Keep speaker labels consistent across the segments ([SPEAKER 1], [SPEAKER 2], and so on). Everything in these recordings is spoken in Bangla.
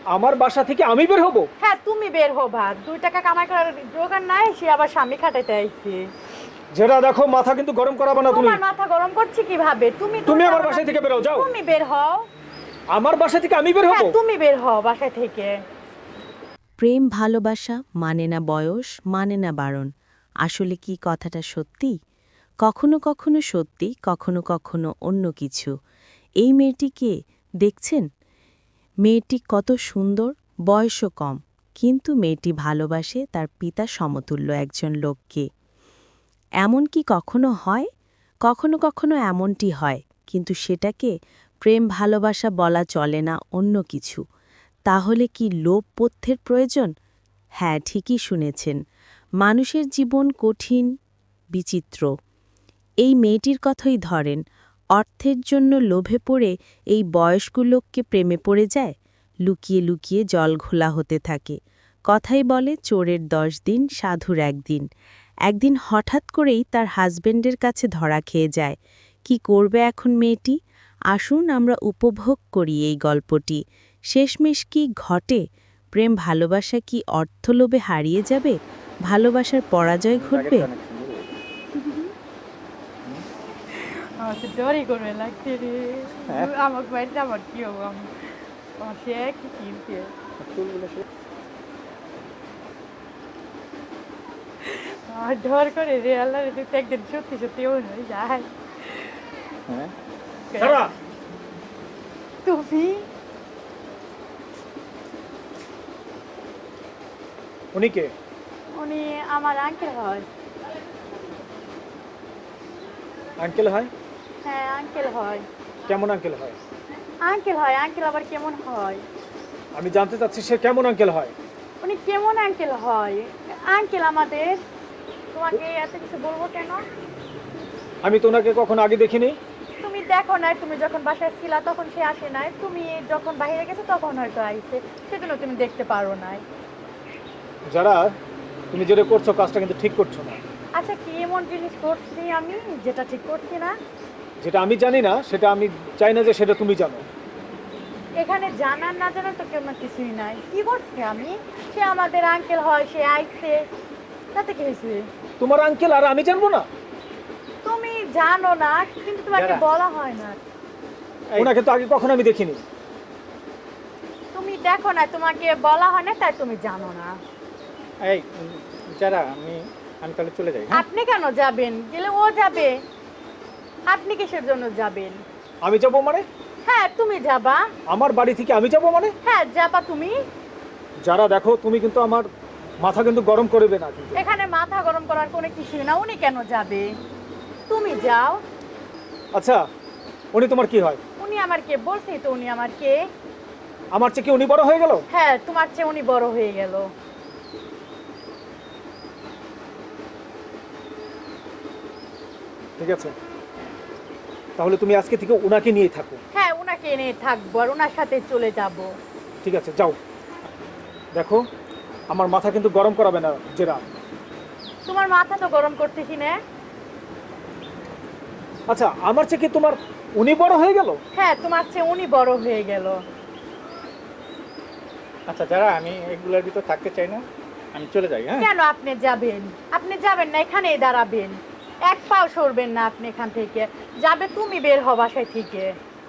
[SPEAKER 1] আমার বাসা থেকে আমি বের হব?
[SPEAKER 2] হ্যাঁ তুমি বের হবা, 2 টাকা কামাই করার জোগাড় নাই, সে আবার স্বামী খাটাইতে আইছে।
[SPEAKER 1] যেটা দেখো, মাথা কিন্তু গরম করাবে না তুমি।
[SPEAKER 2] তোমার মাথা গরম করছি কিভাবে?
[SPEAKER 1] তুমি আমার বাসা থেকে বের হও, যাও।
[SPEAKER 2] তুমি বের হও।
[SPEAKER 1] আমার বাসা থেকে আমি বের হব?
[SPEAKER 2] হ্যাঁ তুমি বের হও বাসা থেকে।
[SPEAKER 3] প্রেম ভালোবাসা মানে না বয়স, মানে না বারণ। আসলে কি কথাটা সত্যি? কখনো কখনো সত্যি, কখনো কখনো অন্য কিছু। এই মেয়েটিকে দেখছেন? মেয়েটি কত সুন্দর, বয়সও কম, কিন্তু মেয়েটি ভালোবাসে তার পিতা সমতুল্য একজন লোককে। এমন কি কখনো হয়? কখনো কখনো এমনটি হয়, কিন্তু সেটাকে প্রেম ভালোবাসা বলা চলে না, অন্য কিছু। তাহলে কি লোভ পথ্যের প্রয়োজন? হ্যাঁ, ঠিকই শুনেছেন। মানুষের জীবন কঠিন, বিচিত্র। এই মেয়েটির কথাই ধরেন, অর্থের জন্য লোভে পড়ে এই বয়স্ক লোককে প্রেমে পড়ে যায়, লুকিয়ে লুকিয়ে জল ঘোলা হতে থাকে। কথাই বলে চোরের 10 দিন, সাধুর 1 দিন। একদিন হঠাৎ করেই তার হাজবেন্ডের কাছে ধরা খেয়ে যায়। কি করবে এখন মেয়েটি? আসুন আমরা উপভোগ করি এই গল্পটি। শেষমেশ কি ঘটে? প্রেম ভালোবাসা কি অর্থলোভে হারিয়ে যাবে? ভালোবাসার পরাজয় ঘটবে?
[SPEAKER 2] আমার তো ডরই করবে লাগছে রে। আমাকে বাড়িতে আমার কি হবো? আমার সে কি কিনতে আমার ডর করে রে। আল্লাহ রে, তুই তো একদিন সত্যি সত্যি মনে হয় যায়।
[SPEAKER 1] সারা,
[SPEAKER 2] তুমি
[SPEAKER 1] উনি কে?
[SPEAKER 2] উনি আমার আঙ্কেল হয়।
[SPEAKER 1] আঙ্কেল হয়?
[SPEAKER 2] হ্যাঁ আঙ্কেল হয়।
[SPEAKER 1] কেমন আঙ্কেল হয়?
[SPEAKER 2] আঙ্কেল হয়, আঙ্কেল আবার কেমন হয়?
[SPEAKER 1] আমি জানতে চাচ্ছি সে কেমন আঙ্কেল হয়।
[SPEAKER 2] উনি কেমন আঙ্কেল হয়? আঙ্কেল আমাদের। তোমাকে এত কিছু বলবো কেন?
[SPEAKER 1] আমি তো ওনাকে কখনো আগে দেখিনি।
[SPEAKER 2] তুমি দেখো নাই, তুমি যখন বাসায় ছিলা তখন সে আসে নাই, তুমি যখন বাইরে গেছো তখন হয়তো আইছে, সেজন্য তুমি দেখতে পারো নাই।
[SPEAKER 1] যারা, তুমি যেটা করছো কাজটা কিন্তু ঠিক করছো না।
[SPEAKER 2] আচ্ছা কি এমন জিনিস করছি আমি যেটা ঠিক করছি না?
[SPEAKER 1] যেটা আমি জানি না সেটা আমি চাই না যে সেটা তুমি জানো।
[SPEAKER 2] এখানে জানার না জানার তো কেমন কিছুই নাই। কি করছি আমি? সে আমাদের আঙ্কেল হয়, সে আইছে, তাতে কি হয়েছে?
[SPEAKER 1] তোমার আঙ্কেল আর আমি জানবো না?
[SPEAKER 2] তুমি জানো না, কিন্তু তোমাকে বলা হয় না।
[SPEAKER 1] ওনাকে তো আগে কখনো আমি দেখিনি।
[SPEAKER 2] তুমি দেখো না, তোমাকে বলা হয় না, তাই তুমি জানো না।
[SPEAKER 4] এই যারা, আমি তাহলে চলে যাই।
[SPEAKER 2] আপনি কেন যাবেন? গেলে ও যাবে, আপনি কিসের জন্য যাবেন?
[SPEAKER 1] আমি যাবো মানে?
[SPEAKER 2] হ্যাঁ তুমি যাবা।
[SPEAKER 1] আমার বাড়ি থেকে আমি যাবো মানে?
[SPEAKER 2] হ্যাঁ যাবা তুমি।
[SPEAKER 1] যারা, দেখো তুমি কিন্তু আমার মাথা কিন্তু গরম করবে না কিন্তু।
[SPEAKER 2] এখানে মাথা গরম করার কোনো কিছুই না। উনি কেন যাবে? তুমি যাও।
[SPEAKER 1] আচ্ছা, উনি তোমার কি হয়?
[SPEAKER 2] উনি আমার কে? বলছি তো উনি আমার কে।
[SPEAKER 1] আমার চেয়ে কি উনি বড় হয়ে গেল?
[SPEAKER 2] হ্যাঁ তোমার চেয়ে উনি বড় হয়ে গেল।
[SPEAKER 1] ঠিক আছে, তাহলে তুমি আজকে থেকে ওনাকে নিয়ে থাকো।
[SPEAKER 2] হ্যাঁ উনাকে এনে থাকবো আর ওনার সাথে চলে যাব।
[SPEAKER 1] ঠিক আছে, যাও। দেখো, আমার মাথা কিন্তু গরম করাবে না জেরা।
[SPEAKER 2] তোমার মাথা তো গরম করতেছি না।
[SPEAKER 1] আচ্ছা, আমার চেয়ে কি তোমার উনি বড় হয়ে গেল?
[SPEAKER 2] হ্যাঁ তোমার চেয়ে উনি বড় হয়ে গেল।
[SPEAKER 4] আচ্ছা যারা, আমি এগুলোর ভিতর থাকতে চাই না, আমি চলে যাই। হ্যাঁ,
[SPEAKER 2] কেন আপনি যাবেন? আপনি যাবেন না, এখানেই দাঁড়াবেন। এক পাও সরবেন না আপনি এখান থেকে। যাবে তুমি, বের হও বাসায় থেকে।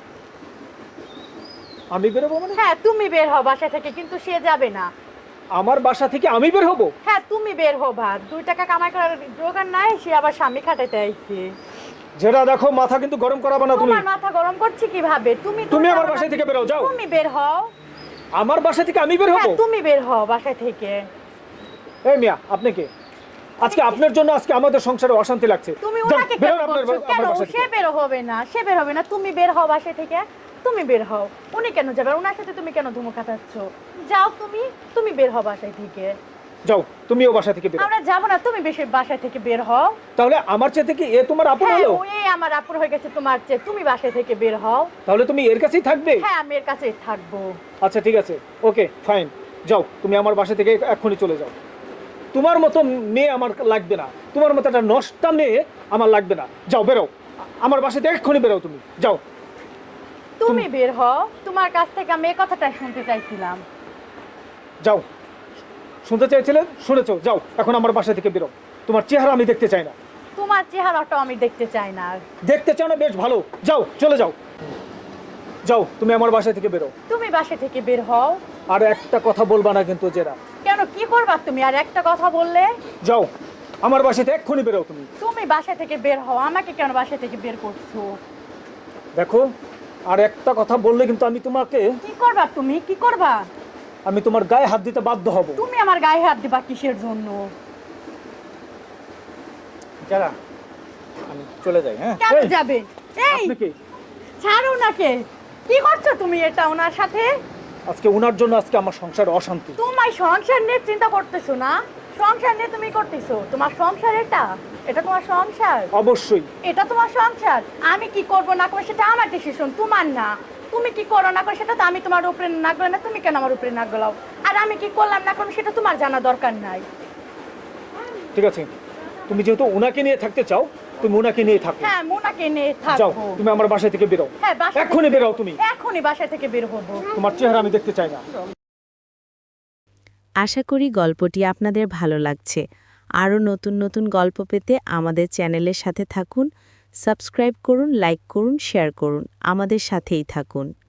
[SPEAKER 1] আমি বেরোবো মানে?
[SPEAKER 2] হ্যাঁ তুমি বের হও বাসা থেকে, কিন্তু সে যাবে না।
[SPEAKER 1] আমার বাসা থেকে আমি বের হব?
[SPEAKER 2] হ্যাঁ তুমি বের হবা, 2 টাকা কামাই করার জোগাড় নাই, সে আবার স্বামী খাটাইতে আইছে।
[SPEAKER 1] যেটা দেখো, মাথা কিন্তু গরম করাবে না তুমি।
[SPEAKER 2] তোমার মাথা গরম করছি কিভাবে?
[SPEAKER 1] তুমি আমার বাসা থেকে বেরো, যাও।
[SPEAKER 2] তুমি বের হও।
[SPEAKER 1] আমার বাসা থেকে আমি বের হব?
[SPEAKER 2] হ্যাঁ তুমি বের হও বাসা থেকে।
[SPEAKER 1] এই মিয়া, আপনি কে? আজকে আপনার জন্য আজকে আমাদের সংসারে অশান্তি লাগছে।
[SPEAKER 2] তুমি
[SPEAKER 1] যান,
[SPEAKER 2] ওনাকে কেন
[SPEAKER 1] বেরোন আপনার
[SPEAKER 2] বলছো? কেন?
[SPEAKER 1] আমার বাসা
[SPEAKER 2] সে
[SPEAKER 1] থেকে।
[SPEAKER 2] বের হবে না, সে বের হবে না। তুমি বের হও বাসা থেকে, তুমি বের হও। উনি কেন যাবে? ওনার সাথে তুমি কেন ধুমো খাটাচ্ছ? যাও তুমি, তুমি বের হও বাসা থেকে।
[SPEAKER 1] যাও, তুমিও বাসা থেকে বেরো।
[SPEAKER 2] আমরা যাবো না, তুমি বেশি বাসা থেকে বের হও।
[SPEAKER 1] তাহলে আমার চেয়ে থেকে এ তোমার আপন
[SPEAKER 2] হ্যাঁ
[SPEAKER 1] হলো?
[SPEAKER 2] ওই আমার আপুর হয়ে গেছে তোমার চেয়ে। তুমি বাসা থেকে বের হও।
[SPEAKER 1] তাহলে তুমি এর কাছেই থাকবে?
[SPEAKER 2] হ্যাঁ আমি এর কাছেই থাকবো।
[SPEAKER 1] আচ্ছা ঠিক আছে, ওকে ফাইন। যাও, তুমি আমার বাসা থেকে এক্ষুনি চলে যাও। তোমার মতো মেয়ে আমার লাগবে না, তোমার মতো একটা নষ্টা মেয়ে আমার লাগবে না। যাও, বেরো আমার বাসা থেকে এক্ষুনি বেরো, তুমি যাও।
[SPEAKER 2] তুমি বের হও। তোমার কাছ থেকে আমি এই কথাটা শুনতে চাইছিলাম।
[SPEAKER 1] যাও, শুনতে চাইছিলে শুনেছো, যাও এখন আমার বাসা থেকে বেরো। তোমার চেহারা আমি দেখতে চাই না।
[SPEAKER 2] তোমার চেহারাটাও আমি দেখতে চাই না আর।
[SPEAKER 1] দেখতে চাও না, বেশ ভালো, যাও চলে যাও। যাও, তুমি আমার বাসা থেকে বেরো।
[SPEAKER 2] তুমি বাসা থেকে বের হও।
[SPEAKER 1] আর একটা কথা বলবা না কিন্তু জেরা।
[SPEAKER 2] কেন, কি করবা তুমি আর একটা কথা বললে?
[SPEAKER 1] যাও, আমার বাসাতে এক্ষুনি বেরো তুমি।
[SPEAKER 2] তুমি বাসা থেকে বের হও, আমাকে কেন বাসা থেকে বের করছো?
[SPEAKER 1] দেখো, আর একটা কথা বললে কিন্তু আমি তোমাকে,
[SPEAKER 2] কি করবা তুমি, কি করবা?
[SPEAKER 1] আমি তোমার গায়ে হাত দিতে বাধ্য হব।
[SPEAKER 2] তুমি আমার গায়ে হাত দিবা কিসের জন্য?
[SPEAKER 4] যারা আমি চলে যাই, হ্যাঁ?
[SPEAKER 2] কেন
[SPEAKER 1] এই,
[SPEAKER 2] যাবে? এই
[SPEAKER 1] আপনি কি?
[SPEAKER 2] ছাড়ো নাকে, কি করছো তুমি এটা ওনার সাথে?
[SPEAKER 1] আজকে ওনার জন্য আজকে আমার সংসার অশান্তি।
[SPEAKER 2] তোমার সংসার নিয়ে চিন্তা করতেছো না? সংসার নিয়ে তুমি করতেছো, তোমার সংসার এটা, এটা তোমার সংসার,
[SPEAKER 1] অবশ্যই।
[SPEAKER 2] এটা তোমার সংসার। আমি কি করব না করবো সেটা আমার ডিসিশন, তোমার না। তুমি কি করো না করো সেটা তো আমি তোমার উপরে না গেলাম না, তুমি কেন আমার উপরে না গেলাও? আর আমি কি করলাম না করলাম সেটা তোমার জানা দরকার নাই।
[SPEAKER 1] ঠিক আছে, তুমি যেহেতু ওনাকে নিয়ে থাকতে চাও, তুমি ওনাকে নিয়ে থাকো।
[SPEAKER 2] হ্যাঁ, মোনাকে নিয়ে
[SPEAKER 1] যাও,
[SPEAKER 2] থাকবো।
[SPEAKER 1] তুমি আমার বাসা থেকে বেরো।
[SPEAKER 2] হ্যাঁ, বাসা থেকে-
[SPEAKER 1] এক্ষুনি বেরো তুমি।
[SPEAKER 2] এখনই বাসা থেকে বের হবো।
[SPEAKER 1] তোমার চেহারা আমি দেখতে চাই না।
[SPEAKER 3] আশা করি গল্পটি আপনাদের ভালো লাগছে। আরও নতুন নতুন গল্প পেতে আমাদের চ্যানেলের সাথে থাকুন। সাবস্ক্রাইব করুন, লাইক করুন, শেয়ার করুন। আমাদের সাথেই থাকুন।